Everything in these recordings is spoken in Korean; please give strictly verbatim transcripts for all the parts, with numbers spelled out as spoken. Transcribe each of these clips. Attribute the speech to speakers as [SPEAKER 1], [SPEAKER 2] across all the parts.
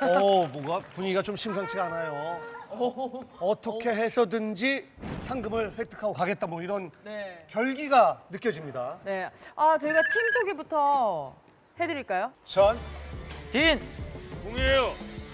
[SPEAKER 1] 어, 뭔가 분위기가 좀 심상치가 않아요. 어떻게 해서든지 상금을 획득하고 가겠다 뭐 이런
[SPEAKER 2] 네.
[SPEAKER 1] 결기가 느껴집니다.
[SPEAKER 2] 네. 아, 저희가 팀 소개부터 해드릴까요?
[SPEAKER 3] 전
[SPEAKER 4] 딘!
[SPEAKER 3] 공이에요.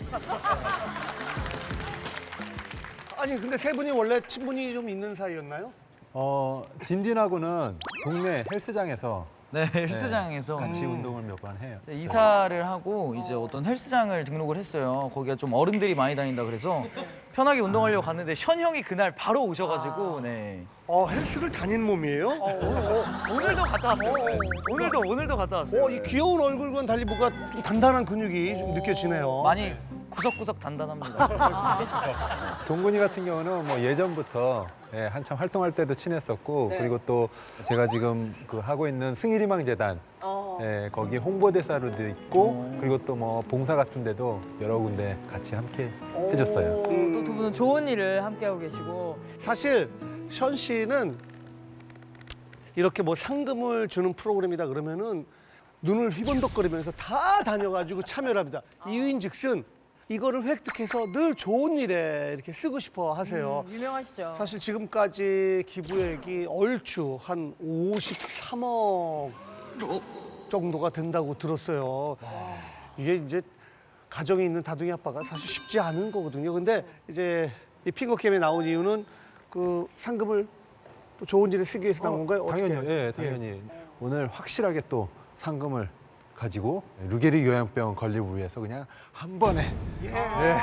[SPEAKER 1] 아니 근데 세 분이 원래 친분이 좀 있는 사이였나요?
[SPEAKER 5] 어, 딘딘하고는 동네 헬스장에서
[SPEAKER 4] 네, 헬스장에서
[SPEAKER 5] 같이 운동을 몇 번 해요.
[SPEAKER 4] 이사를 하고 이제 어떤 헬스장을 등록을 했어요. 거기가 좀 어른들이 많이 다닌다 그래서 편하게 운동하려고 갔는데 션 형이 그날 바로 오셔가지고 네.
[SPEAKER 1] 어 헬스를 다닌 몸이에요? 어, 어,
[SPEAKER 4] 오늘도 갔다 왔어요. 네. 오늘도 오늘도 갔다 왔어요.
[SPEAKER 1] 어, 이 귀여운 얼굴과는 달리 뭔가 좀 단단한 근육이 좀 느껴지네요.
[SPEAKER 4] 많이 구석구석 단단합니다.
[SPEAKER 5] 동근이 같은 경우는 뭐 예전부터 예, 한참 활동할 때도 친했었고
[SPEAKER 2] 네.
[SPEAKER 5] 그리고 또 제가 지금 그 하고 있는 승일희망재단
[SPEAKER 2] 어.
[SPEAKER 5] 예, 거기 홍보대사로도 있고 그리고 또 뭐 봉사 같은 데도 여러 군데 같이 함께 해줬어요.
[SPEAKER 2] 또 두 분은 좋은 일을 함께하고 계시고.
[SPEAKER 1] 사실 션 씨는 이렇게 뭐 상금을 주는 프로그램이다 그러면은 눈을 휘번덕거리면서 다 다녀가지고 참여를 합니다. 이유인즉슨 이거를 획득해서 늘 좋은 일에 이렇게 쓰고 싶어 하세요.
[SPEAKER 2] 음, 유명하시죠?
[SPEAKER 1] 사실 지금까지 기부액이 얼추 한 오십삼억 정도가 된다고 들었어요. 이게 이제 가정에 있는 다둥이 아빠가 사실 쉽지 않은 거거든요. 근데 이제 이 핑거게임에 나온 이유는 그 상금을 또 좋은 일에 쓰기 위해서 나온 건가요? 어떻게?
[SPEAKER 5] 당연히, 예, 당연히 오늘 확실하게 또 상금을 가지고 루게리 요양병 건립을 위해서 그냥 한 번에 예.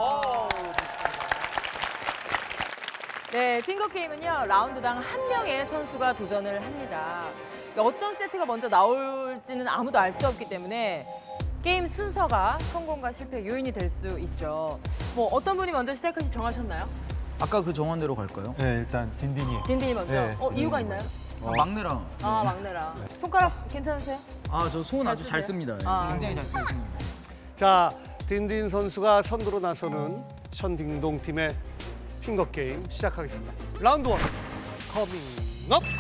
[SPEAKER 2] 네, 핑거게임은요, 라운드당 한 명의 선수가 도전을 합니다. 어떤 세트가 먼저 나올지는 아무도 알 수 없기 때문에 게임 순서가 성공과 실패의 요인이 될 수 있죠. 뭐 어떤 분이 먼저 시작할지 정하셨나요?
[SPEAKER 4] 아까 그 정원대로 갈까요?
[SPEAKER 5] 네, 일단 딘딘이
[SPEAKER 2] 딘딘이 먼저.
[SPEAKER 5] 네,
[SPEAKER 2] 어, 이유가
[SPEAKER 5] 딘딘이
[SPEAKER 2] 있나요?
[SPEAKER 4] 아, 막내랑.
[SPEAKER 2] 아, 막내라. 손가락 괜찮으세요?
[SPEAKER 4] 아, 저 손 아주
[SPEAKER 2] 쓰세요?
[SPEAKER 4] 잘 씁니다.
[SPEAKER 2] 아.
[SPEAKER 4] 굉장히 잘 쓰고 있습니다.
[SPEAKER 1] 자, 딘딘 선수가 선두로 나서는 션딩동 팀의 핑거게임 시작하겠습니다. 라운드 원, 커밍 업!